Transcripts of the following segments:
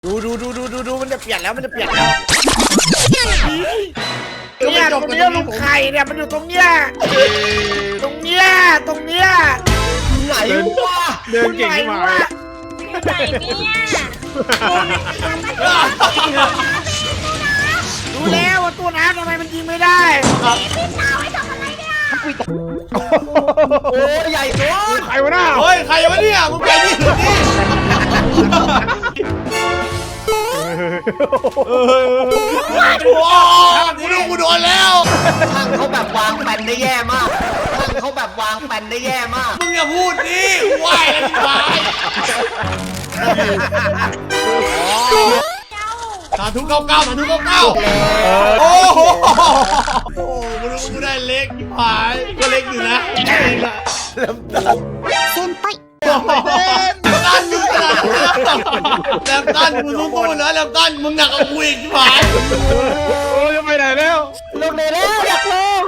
ดูมันจะเปลี่ยนแล้วเนี่ยตรงเนี้ยลูกไข่เนี่ยมันอยู่ตรงเนี้ยไหนวะเดินเก่งขึ้นมาไหนเนี่ยดูแล้วว่าตัวน้ำทำไมมันยิงไม่ได้โอ้ใหญ่ตัวใครวะหน้าเฮ้ยใครวะเนี่ยมึงไปนี่หรือนี่โอ้กูดูกูโดนแล้วช่างเขาแบบวางแปนได้แย่มากช่างเขาแบบวางแปนได้แย่มากมึงอย่าพูดดิไหวแล้วที่ตายสาธุเก้าโอ้โหกูดูกูได้เล็กที่ผายก็เล็กอยู่นะตั้นมึงนะแล้วตั้นมึงสู้ๆนะแล้วตั้นมึงหนักกว่ากูอีกที่ผายโอ้ยจะไปไหนแล้วลงเลยแล้วอยากลง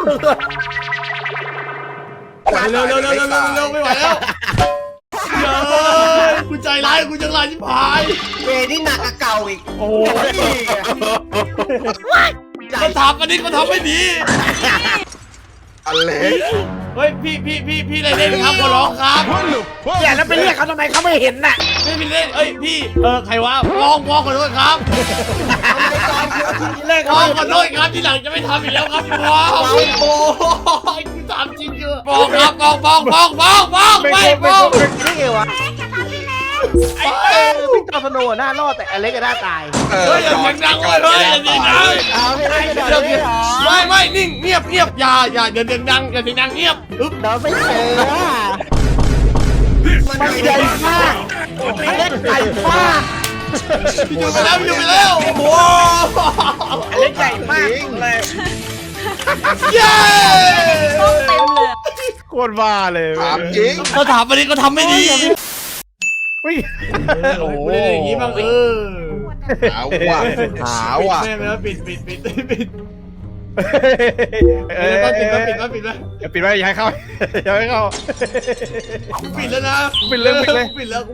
เร็วไม่ไหวแล้วเฮ้ยกูใจร้ายกูจังไรที่ผายเวนี่หนักกว่าเก่าอีกโอ้มันทำอันนี้มันทำไม่ดีอะไรเฮ้ยพี่อะไรเล่นครับขอร้องครับเนี่ยแล้วไปเรียกเขาทำไมเขาไม่เห็นน่ะไม่มีเล่นเอ้ยพี่ใครวะมองขอโทษครับเรียกมเขาองขอโทษครับที่หลังจะไม่ทำอีกแล้วครับมองโอ้โหกูถามจริงเยอะมองครับมองไม่มองนี่ไงวะพี่จอสโนว์หน้ารอดแต่อเล็กก็หน้าตายเฮ้ยอย่าเสียงดังเลยเฮ้ยอย่าเสียงดังเอาให้ได้เดี๋ยวไม่นิ่งเงียบอย่าเดี๋ยวเสียงดังอย่าเสียงดังเงียบอึ๊บเราไม่เจอมันใหญ่มากเล็กใหญ่มากพี่อยู่ไปแล้วโอ้โหเล็กใหญ่มากเลยเย้ต้องเต็มเลยโคตรบ้าเลยถามจริงเขาถามอันนี้ก็ทำไม่ดีวิ่งโอ้โหอย่างนี้บ้างหาว่ะหาว่ะแม่แล้วปิดเอ้ยปิดแล้วปิดไว้อย่าให้เข้าอย่าให้เข้าปิดแล้วนะปิดเลยปิดแล้ว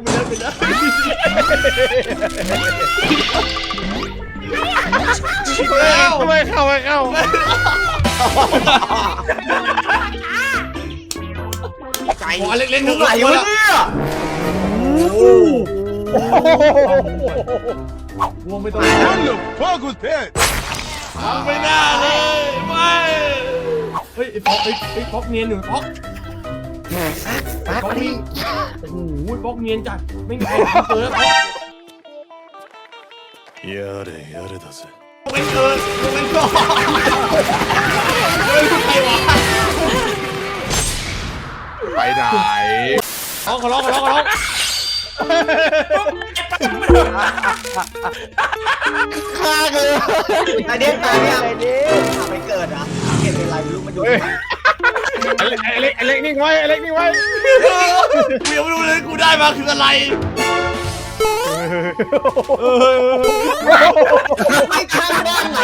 ไม่เข้าไก่หัวเล็กๆไหนวะเนี่ยวงไม่ต้องไม่น่าเลยไม่เฮ้ยไอ้ป๊อกเนียนอยู่ป๊อกนี่โอ้โหป๊อกเนียนจัดไม่มีใครเจอป๊อกเป็นเกินเป็นก่อนเฮ้ยใครวะไปไหนขอร้องฆ่าเลยอันนี้ตายเนี่ยไปเกิดอ่ะเกิดเป็นไรไม่รู้มันอยู่ไอ้เล็กนิ่งไว้ไอ้เล็กนิ่งไว้กูยังไม่รู้เลยกูได้มาคืออะไรไม่ข้างด้านไหน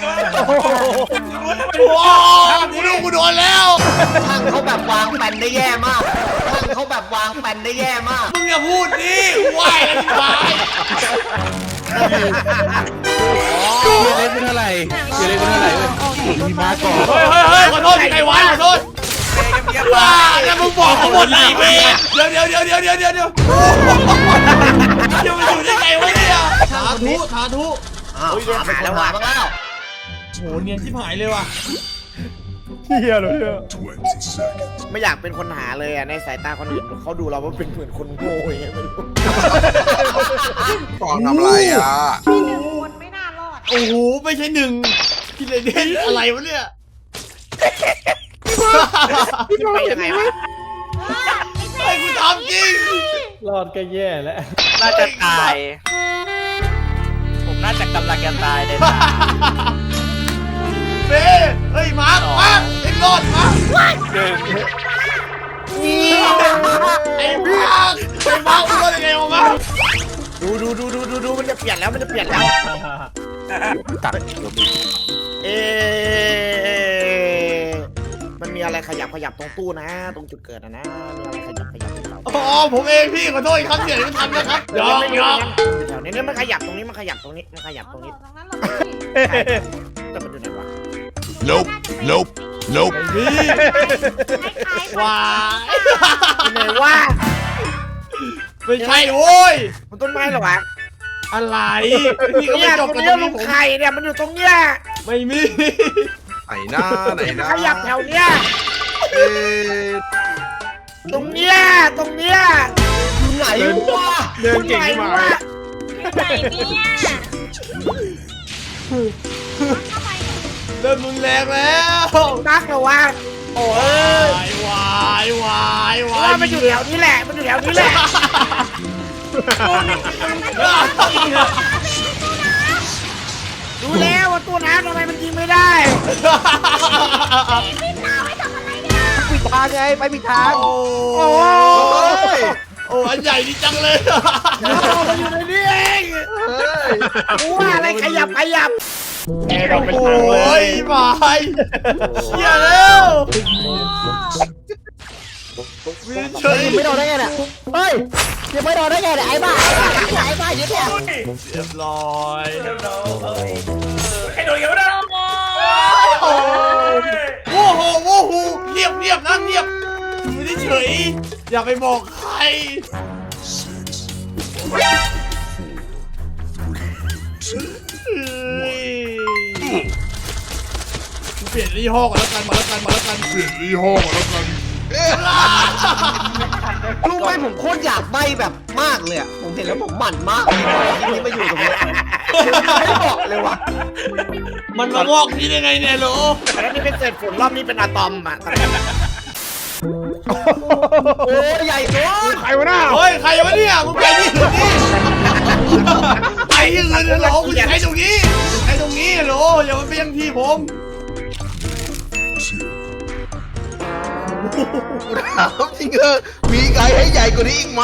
ว้าวกูโดนแล้วช่างเขาแบบวางแปนได้แย่มากช่างเขาแบบวางแปนได้แย่มากมึงอย่าพูดดิไหวแล้วที่ตายเล็กเป็นเท่าไหร่เล็กเป็นเท่าไหร่มีมาก่อนเฮ้ยขอโทษใครวะขอโทษว้าแล้วมึงบอกเขาหมดเลยเว้ยเดี๋ยวมันอยู่ได้ไงวะเนี่ยสาธุอ้าวหาแล้วหาบ้างแล้วโหเนียนชิบหายเลยว่ะเฮียเลยเนี่ยไม่อยากเป็นคนหาเลยอ่ะในสายตาคนอื่นเขาดูเราว่าเป็นเหมือนคนโง่อย่างเงี้ยไม่รู้ฟองทำไรอ่ะคนไม่น่ารอดโอ้โหไม่ใช่หนึ่งกินเลยเด่นอะไรวะเนี่ยไปยังไงวะไอ้กูทำจริงรอดก็แย่แล้วน่าจะตาย ผมน่าจะกำลังจะตายเลยนะเฮ้ยมาร์คไอ้รอดมาหนึ่งไอ้มาร์ครอดยังไงวะมาร์คดูมันจะเปลี่ยนแล้วตัดเอมันมีอะไรขยับตรงตู้นะ ตรงจุดเกิดนะมีอะไรขยับตรงเราอ๋อผมเองพี่ขอโทษอีกครั้งเดียวที่ทำนะครับยอมยอมแถวนี้มันขยับตรงนี้มันขยับตรงนี้มันขยับตรงนี้ตรงนั้นเราไม่แต่มันอยู่ไหนวะ Nope Nope Nope พี่คล้ายๆว้ายอยู่ไหนวะไม่ใช่โว้ยมันต้นไม้เหรอวะอะไรพี่ก็เนี่ไม่ยจตบรงกันเนี้ตยรงลูนี้กผมไข่เนี่ยมันอยู่ตรงเนี้ยไม่มีไหนหน้าไหนหมันน้าขยับแถวเนี้ยเอ๊ะตรงเนี้ยไหนวะเดินเก่งขึ้นมาวะอยู่ไหนเนี่ยเข้าไปเริ่มรุนแรงแล้วนักเหรอวะโอ้ยวายวายวายว่ามันอยู่แถวนี้แหละมันอยู่แถวนี้แหละดูแล้วว่าตัวน้ำทำไมมันยิงไม่ได้ปิดทางไงไปปิดทางโอ้โอ้ยโอ้อันใหญ่ดีจังเลยมันอยู่ในนี้เองกูว่าอะไรขยับแอร์ดรอปเป็นโอทางเล้ยยบายเชี่ยแล้ววินเฉยยิงไม่โดนได้ไงเนี่ยเฮ้ยยิงไม่โดนได้ไงเนี่ยไอ้บ้ายึดเนี่ยเรียบร้อย โอ้โหโอ้โหเงียบเงียบนะเงียบอยู่เฉยอย่าไปบอกใครเปลี่ยนยี่ห้อก่อนแล้วกันมาแล้วกันเปลี่ยนยี่ห้อก่อนแล้วกันรู้ไหมผมโคตรอยากใบแบบมากเลยอ่ะผมเห็นแล้วผมหมั่นมากเลยที่นี่มาอยู่ตรงนี้ไม่บอกเลยวะมันมางอกที่ได้ไงเนี่ยโหลแล้วนี่เป็นเศษฝุ่นรอบนี้เป็นอะตอมอ่ะโอ้ยใหญ่โตใครวะหน้าเฮ้ยใครวะเนี่ยมึงไปที่อื่นนี่ไปที่อื่นเลยโหลคุณใช้ตรงนี้ใช้ตรงนี้โหลอย่ามาเปี้ยงที่ผมถามจริงมีไกลให้ใหญ่กว่านี้อีกไหม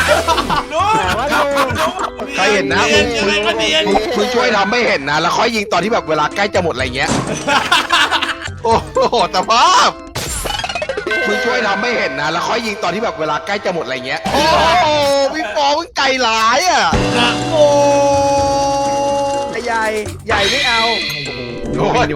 ใครเห็นนะเนียนยังไงก็เนียนมึงช่วยทำไม่เห็นนะ แล้วค่อยยิงตอนที่แบบเวลาใกล้จะหมดอะไรเงี้ย โอ้โหแต่ภาพมึงช่วยทำไม่เห็นนะ แล้วค่อยยิงตอนที่แบบเวลาใกล้จะหมดอะไรเงี้ย โอ้โหพี่ฟองมึงไกลหลายอ่ะนะโอ้ใหญ่ใหญ่ไม่เอาโอ้ย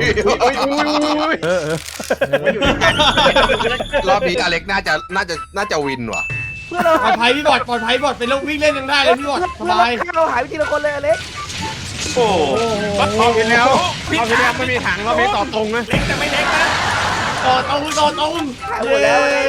รอบนี้อเล็กน่าจะวินว่ะปลอดภัยพี่บอดปลอดภัยบอดไปแล้ววิ่งเล่นยังได้เลยพี่บอดสบายเราหายไปทีละคนเลยอเล็กโอ้รอบที่แล้วไม่มีถังรอบนี้ต่อตรงนะต่อตรงเย้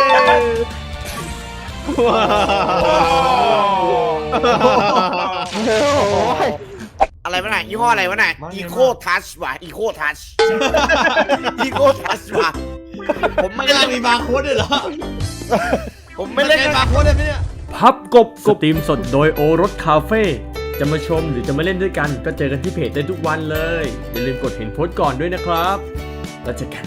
อะไรวะน่ะยี่ห้ออะไรวะน่ะอีโคทัชว่ะอีโคทัชอีโคทัชว่ะผมไม่ไม่เล่ได้นมีบาร์โค้ดด้วยเหรอผมไม่เล่นบาร์โค้ดได้ไหมเนี่ยพับกบสตรีมสดโดยโอรสคาเฟ่จะมาชมหรือจะมาเล่นด้วยกันก็เจอกันที่เพจได้ทุกวันเลย อย่าลืมกดเห็นโพสต์ก่อนด้วยนะครับ แล้วเจอกัน